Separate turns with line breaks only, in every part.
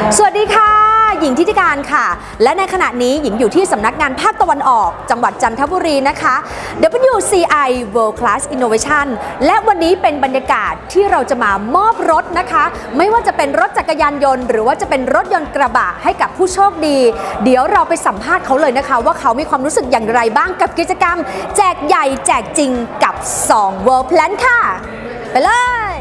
สวัสดีค่ะหญิงทิติการค่ะและในขณะนี้หญิงอยู่ที่สำนักงานภาคตะวันออกจังหวัดจันทบุรีนะคะ WCI World Class Innovation และวันนี้เป็นบรรยากาศที่เราจะมามอบรถนะคะไม่ว่าจะเป็นรถจักรยานยนต์หรือว่าจะเป็นรถยนต์กระบะให้กับผู้โชคดีเดี๋ยวเราไปสัมภาษณ์เขาเลยนะคะว่าเขามีความรู้สึกอย่างไรบ้างกับกิจกรรมแจกใหญ่แจกจริงกับ2 World Plan ค่ะไปเลย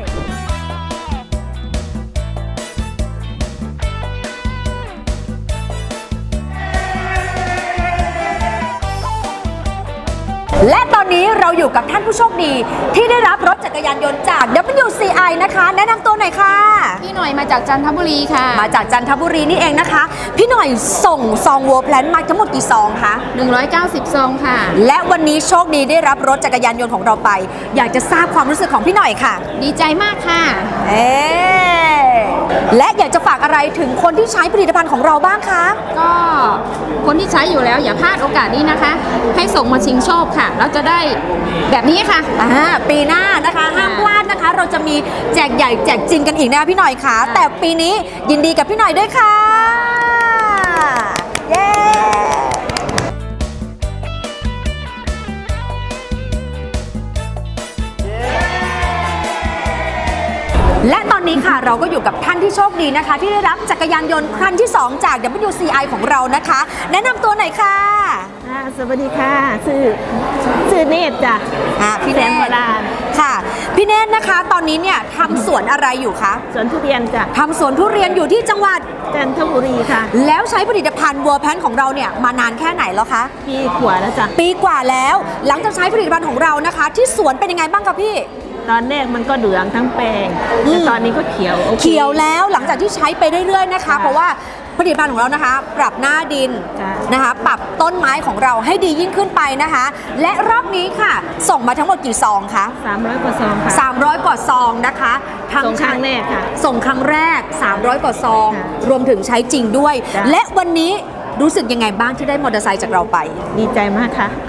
และตอนนี้เราอยู่กับท่านผู้โชคดีที่ได้รับรถจักรยานยนต์จาก WCI นะคะแนะนำตัวหน่อยค่ะ
พี่หน่อยมาจากจันทบุรีค่ะ
มาจากจันทบุรีนี่เองนะคะพี่หน่อยส่งซองWorld Planมาทั้งหมดกี่ซองคะ
190ซองค่ะ
และวันนี้โชคดีได้รับรถจักรยานยนต์ของเราไปอยากจะทราบความรู้สึกของพี่หน่อยค่ะ
ดีใจมากค่ะ
และอยากจะฝากอะไรถึงคนที่ใช้ผลิตภัณฑ์ของเราบ้างคะ
ก็คนที่ใช้อยู่แล้วอย่าพลาดโอกาสนี้นะคะให้ส่งมาชิงโชคค่ะเราจะได้แบบนี้ค่ะ
ปีหน้านะคะห้ามพลาดนะคะเราจะมีแจกใหญ่แจกจริงกันอีกนะพี่หน่อยค่ะแต่ปีนี้ยินดีกับพี่หน่อยด้วยค่ะเย้และตอนนี้ค่ะเราก็อยู่กับท่านที่โชคดีนะคะที่ได้รับจักรยานยนต์คันที่2จาก WCI ของเรานะคะแนะนำตัวหน่อยค่ะ
สวัสดีค่ะชื่อเนตรจ้ะ
พี่เนตรโบราณค่ะพี่เนตรนะคะตอนนี้เนี่ยทำสวนอะไรอยู่คะ
สวนทุเรียนจ้ะ
ทำสวนทุเรียนอยู่ที่จังหวัด
จันทบุรีค่ะ
แล้วใช้ผลิตภัณฑ์World Planของเราเนี่ยมานานแค่ไหนแล้วคะ
ปีกว่าแล้วจ้ะ
ปีกว่าแล้วหลังจากใช้ผลิตภัณฑ์ของเรานะคะที่สวนเป็นยังไงบ้างคะพี่
ตอนแรกมันก็เหลืองทั้งแปลงแต่ตอนนี้ก็เขียว
แล้วหลังจากที่ใช้ไปเรื่อยๆนะคะเพราะว่าผลิตภัณฑ์ของเรานะคะปรับหน้าดินนะคะปรับต้นไม้ของเราให้ดียิ่งขึ้นไปนะคะและรอบนี้ค่ะส่งมาทั้งหมดกี่ซองคะ
300 กว่าซองค่ะ
300 กว่าซองนะคะ
ส่งครั้งแรกค่ะ
ส่งครั้งแรก300 กว่าซองรวมถึงใช้จริงด้วยและวันนี้รู้สึกยังไงบ้างที่ได้มอเตอร์ไซค์จากเราไป
ดีใจมากค่ะ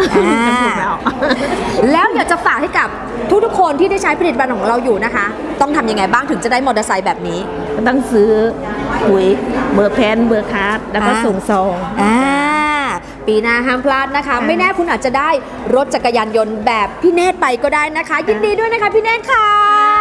แล้วอยากจะฝากให้กับทุกคนที่ได้ใช้ผลิตภัณฑ์ของเราอยู่นะคะต้องทำยังไงบ้างถึงจะได้มอเตอร์ไซค์แบบนี้
ต้องซื้อปุ๋ยเบอร์แพนเบอร์คาร์ดแล้วก็ส่งซอง
ปีหน้าห้ามพลาดนะคะไม่แน่คุณอาจจะได้รถจักรยานยนต์แบบพี่เนตรไปก็ได้นะคะยินดีด้วยนะคะพี่เนตรค่ะ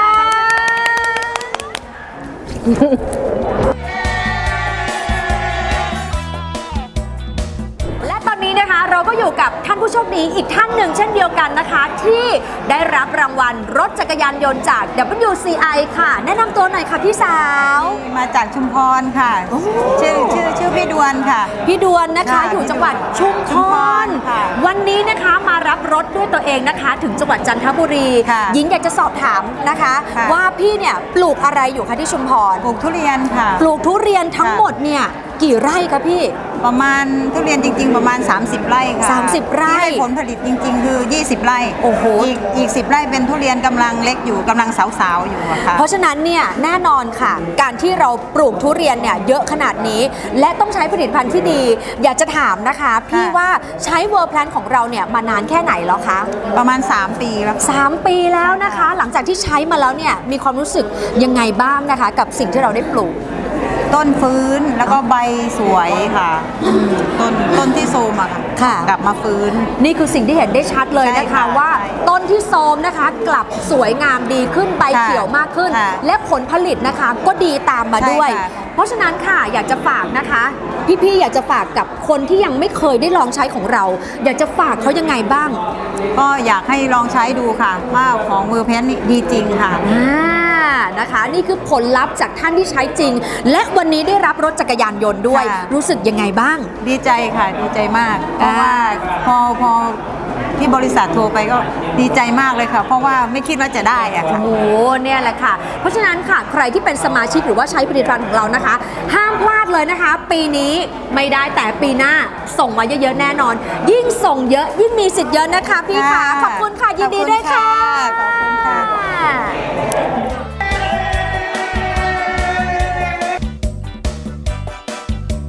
เราก็อยู่กับท่านผู้โชคดีอีกท่านหนึ่งเช่นเดียวกันนะคะที่ได้รับรางวัลรถจักรยานยนต์จาก WCI ค่ะแนะนำตัวหน่อยค่ะพี่สาว
มาจากชุมพรค่ะชื่อพี่ดวนค่ะ
พี่ดวนนะคะอยู่จังหวัดชุมพรวันนี้นะคะมารับรถด้วยตัวเองนะคะถึงจังหวัดจันทบุรีหญิงอยากจะสอบถามนะคะว่าพี่เนี่ยปลูกอะไรอยู่คะที่ชุมพร
ปลูกทุเรียนค่ะ
ปลูกทุเรียนทั้งหมดเนี่ยกี่ไร่คะพี่
ประมาณทุเรียนจริงๆประมาณ30 ไร่ค่ะ
30 ไร่
ที่ให้ผลผลิตจริงๆคือ20 ไร่
โอ้โห
อีก10 ไร่เป็นทุเรียนกำลังเล็กอยู่กำลังสาวๆอยู่ค่ะ
เพราะฉะนั้นเนี่ยแน่นอนค่ะการที่เราปลูกทุเรียนเนี่ยเยอะขนาดนี้และต้องใช้ผลิตภัณฑ์ที่ดีอยากจะถามนะคะพี่ว่าใช้World Planของเราเนี่ยมานานแค่ไหนแล้วคะ
ประมาณ3 ปีแล้ว
3 ปีแล้วนะคะหลังจากที่ใช้มาแล้วเนี่ยมีความรู้สึกยังไงบ้างนะคะกับสิ่งที่เราได้ปลูก
ต้นฟื้นแล้วก็ใบสวยค่ะต้นที่โทรมอะค่ะกลับมาฟื้น
นี่คือสิ่งที่เห็นได้ชัดเลยนะคะว่าต้นที่โทรมนะคะกลับสวยงามดีขึ้นใบเขียวมากขึ้นและผลผลิตนะคะก็ดีตามมาด้วยเพราะฉะนั้นค่ะอยากจะฝากนะคะพี่ๆอยากจะฝากกับคนที่ยังไม่เคยได้ลองใช้ของเราอยากจะฝากเขายังไงบ้าง
ก็อยากให้ลองใช้ดูค่ะว่าของWorld Planนี่ดีจริงค่ะ
นะคะนี่คือผลลัพธ์จากท่านที่ใช้จริงและวันนี้ได้รับรถจักรยานยนต์ด้วยรู้สึกยังไงบ้าง
ดีใจค่ะดีใจมากเพราะว่าพอที่บริษัทโทรไปก็ดีใจมากเลยค่ะเพราะว่าไม่คิดว่าจะได้อะค่ะ
โอ้เนี่ยแหละค่ะเพราะฉะนั้นค่ะใครที่เป็นสมาชิกหรือว่าใช้ผลิตภัณฑ์ของเรานะคะห้ามพลาดเลยนะคะปีนี้ไม่ได้แต่ปีหน้าส่งมาเยอะๆแน่นอนยิ่งส่งเยอะยิ่งมีสิทธิ์เยอะนะคะพี่ค่ะขอบคุณค่ะยินดีด้วยค่ะ
ขอบคุณค่ะ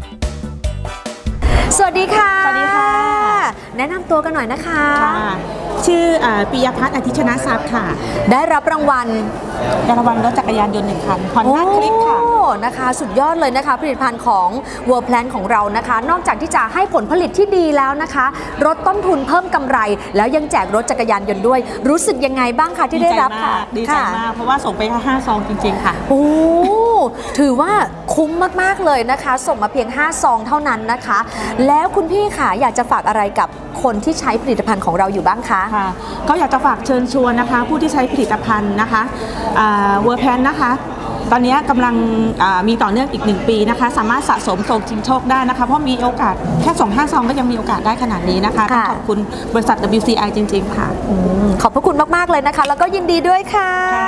สวัสดีค่ะแนะนำตัวกันหน่อยนะคะ
ชื่อปิยพัฒน์อธิชนะทรัพย์ค่ะ
ได้รับรางวัล
ได้รางวัลรถจักรยานยนต์1 คัน Honda Click ค่ะ
โอ้นะคะ สุดยอดเลยนะคะผลิตภัณฑ์ของ World Plan ของเรานะคะ นอกจากที่จะให้ผลผลิตที่ดีแล้วนะคะลดต้นทุนเพิ่มกำไร แล้วยังแจกรถจักรยานยนต์ด้วย รู้สึกยังไงบ้างคะที่ได้รับค่ะ
ดีใจมาก เพราะว่าส่งไปแค่5 ซองจริง ๆ ค่ะ
โอ้ถือว่าคุ้มมากๆเลยนะคะ ส่งมาเพียง5 ซองเท่านั้นนะคะ แล้วคุณพี่ค่ะอยากจะฝากอะไรกับคนที่ใช้ผลิตภัณฑ์ของเราอยู่บ้างคะ
ค่ะก็อยากจะฝากเชิญชวนนะคะ ผู้ที่ใช้ผลิตภัณฑ์นะคะเวอร์แพนนะคะ ตอนนี้กำลังมีต่อเนื่องอีก1 ปีนะคะ สามารถสะสมส่งชิงโชคได้นะคะ เพราะมีโอกาสแค่ส่ง5 ซองก็ยังมีโอกาสได้ขนาดนี้นะคะต้องขอบคุณบริษัท WCI จริง ๆ ค่ะ
ขอบพระคุณมากๆเลยนะคะ แล้วก็ยินดีด้วยค่ะ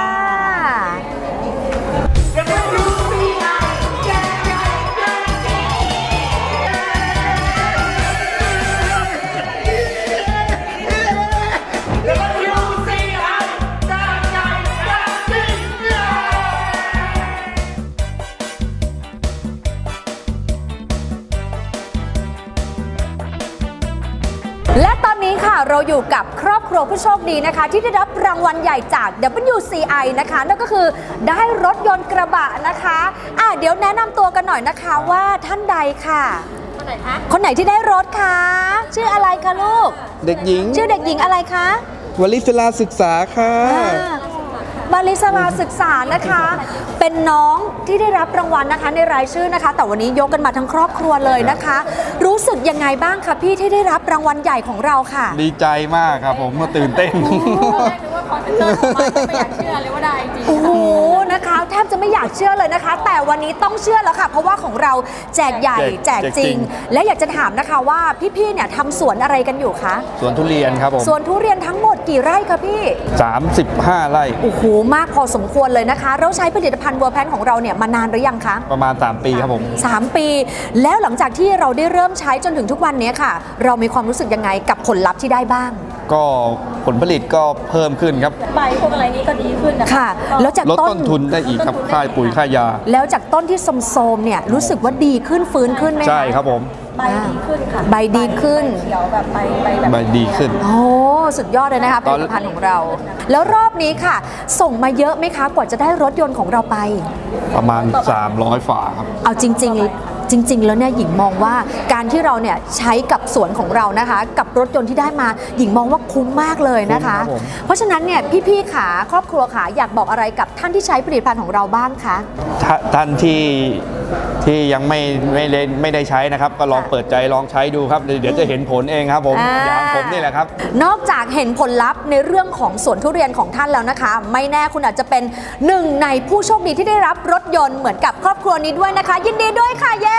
และตอนนี้ค่ะเราอยู่กับครอบครัวผู้โชคดีนะคะ ที่ได้รับรางวัลใหญ่จาก WCI นะคะนั่นก็คือได้รถยนต์กระบะนะคะเดี๋ยวแนะนำตัวกันหน่อยนะคะว่าท่านใดค่ะคนไหนคะคนไหนที่ได้รถคะชื่ออะไรคะลูก
เด็กหญิง
ชื่อเด็กหญิงอะไรคะ
วลิศลาศึกษาค่ะ
บาลิสลาศึกษานะคะ เป็นน้องที่ได้รับรางวัลนะคะในรายชื่อนะคะ แต่วันนี้ยกกันมาทั้งครอบครัวเลยนะคะ รู้สึกยังไงบ้างคะพี่ที่ได้รับรางวัลใหญ่ของเราค่ะ
ดีใจมากครับผมก็ตื่นเต้น
โอ้โหนะคะแทบจะไม่อยากเชื่อเลยนะคะ แต่วันนี้ต้องเชื่อแล้วค่ะ เพราะว่าของเราแจกใหญ่แจกจริง และอยากจะถามนะคะว่าพี่ๆเนี่ยทำสวนอะไรกันอยู่คะ
สวนทุเรียนครับผม
สวนทุเรียนทั้งหมดกี่ไร่คะพี่
35 ไร่
โอ้โหมากพอสมควรเลยนะคะ เราใช้ผลิตภัณฑ์เวอร์แพนของเราเนี่ยมานานหรือยังคะ
ประมาณ 3 ปีครับผม
3 ปี แล้วหลังจากที่เราได้เริ่มใช้จนถึงทุกวันนี้ค่ะ เรามีความรู้สึกยังไงกับผลลัพธ์ที่ได้บ้าง
ก็ผลผลิตก็เพิ่มขึ้นครับ
ใบพวกอะไรนี้ก็ดีขึ้นนะคะ
ค่ะ แล้วจาก
ลดต้นทุนได้อีกครับ ค่าปุ๋ยค่ายา
แล้วจากต้นที่โทรมๆเนี่ยรู้สึกว่าดีขึ้นฟื้นขึ้นไหมคะ
ใช่ครับผม
ใบดีขึ้นค่ะ
ใบดีขึ้น
เขียวแบบใบแบบ
ใบดีขึ้น
โอ้สุดยอดเลยนะคะผ
ตอน
ลิตภัณฑ์ของเรา แล้วรอบนี้ค่ะ ส่งมาเยอะไหมคะกว่าจะได้รถยนต์ของเราไป
ประมาณ 300 ฝาครับ
เอาจริงๆแล้วเนี่ยหญิงมองว่าการที่เราเนี่ยใช้กับสวนของเรานะคะ กับรถยนต์ที่ได้มาหญิงมองว่าคุ้มมากเลยนะคะ
คุ้มครับผม
เพราะฉะนั้นเนี่ยพี่ๆขาครอบครัวขาอยากบอกอะไรกับท่านที่ใช้ผลิตภัณฑ์ของเราบ้างคะ
ท่านที่ยังไม่ได้ใช้นะครับ ก็ลองเปิดใจลองใช้ดูครับ เดี๋ยวจะเห็นผลเองครับผมอย่างผมนี่แหละครับ
นอกจากเห็นผลลัพธ์ในเรื่องของสวนทุเรียนของท่านแล้วนะคะ ไม่แน่คุณอาจจะเป็นหนึ่งในผู้โชคดีที่ได้รับรถยนต์เหมือนกับครอบครัวนี้ด้วยนะคะ ยินดีด้วยค่ะเย้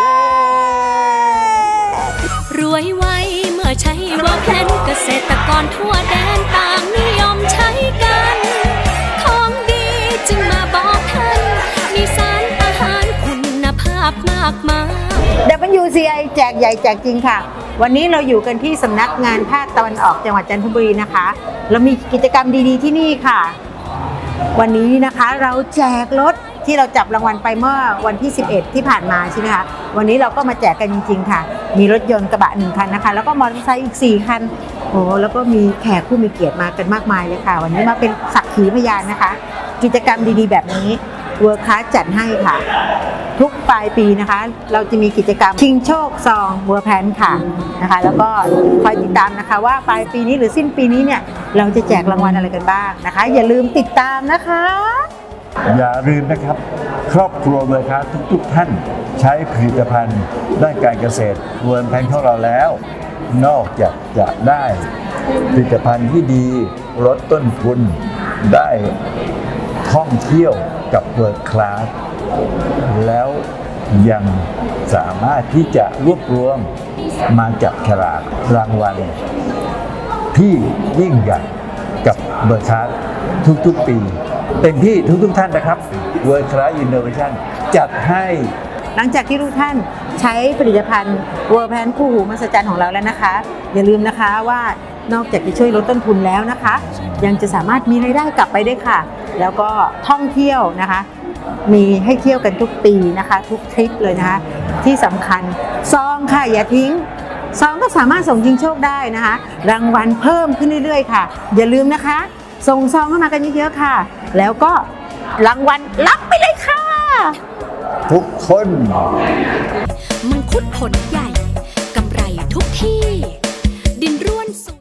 รวยไวเมื่อใช้เวอร์แพนเกษตรกรทั่วแดนต่างนิยมใช้กัน ของดีจึงมาบอกท่านมีสารอาหารคุณภาพมากมาย
WCI แจกใหญ่แจกจริงค่ะ วันนี้เราอยู่กันที่สำนักงานภาคตะวันออกจังหวัดจันทบุรีนะคะ เรามีกิจกรรมดีๆที่นี่ค่ะ วันนี้นะคะเราแจกรถที่เราจับรางวัลไปเมื่อวันที่ 11 ที่ผ่านมาใช่ไหมคะวันนี้เราก็มาแจกกันจริงๆค่ะ มีรถยนต์กระบะ1 คันนะคะ แล้วก็มอเตอร์ไซค์อีก4 คันโอ้แล้วก็มีแขกผู้มีเกียรติมากันมากมายเลยค่ะ วันนี้มาเป็นสักขีพยานนะคะ กิจกรรมดีๆแบบนี้เวิร์คคลาสจัดให้ค่ะ ทุกปลายปีนะคะ เราจะมีกิจกรรมชิงโชคซองเวอร์แพนค่ะนะคะ แล้วก็คอยติดตามนะคะว่าปลายปีนี้หรือสิ้นปีนี้เนี่ยเราจะแจกรางวัลอะไรกันบ้างนะคะ อย่าลืมติดตามนะคะ
อย่าลืมนะครับ ครอบครัวเวอร์คลาสทุกท่านใช้ผลิตภัณฑ์ด้านการเกษตรเวิร์นแพนของเราแล้ว นอกจากจะได้ผลิตภัณฑ์ที่ดีลดต้นทุนได้ท่องเที่ยวกับเวิร์คลาสแล้วยังสามารถที่จะรวบรวมมาจับฉลากรางวัลที่ยิ่งใหญ่กับเวิร์คลาสทุกๆปีเต็มที่ทุกท่านนะครับ World Class Innovation จัดให้
หลังจากที่ทุกท่านใช้ผลิตภัณฑ์เวอร์แพนคู่หูมหัศจรรย์ของเราแล้วนะคะ อย่าลืมนะคะว่านอกจากจะช่วยลดต้นทุนแล้วนะคะ ยังจะสามารถมีรายได้กลับไปด้วยค่ะ แล้วก็ท่องเที่ยวนะคะ มีให้เที่ยวกันทุกปีนะคะ ทุกทริปเลยนะคะ ที่สำคัญซองค่ะอย่าทิ้งซองก็สามารถส่งชิงโชคได้นะคะ รางวัลเพิ่มขึ้นเรื่อยๆค่ะ อย่าลืมนะคะ ส่งซองเข้ามากันเยอะๆค่ะ แล้วก็รางวัลรับไปเลยค่ะ
ทุกคน
มังคุดผลใหญ่ กำไรทุกที่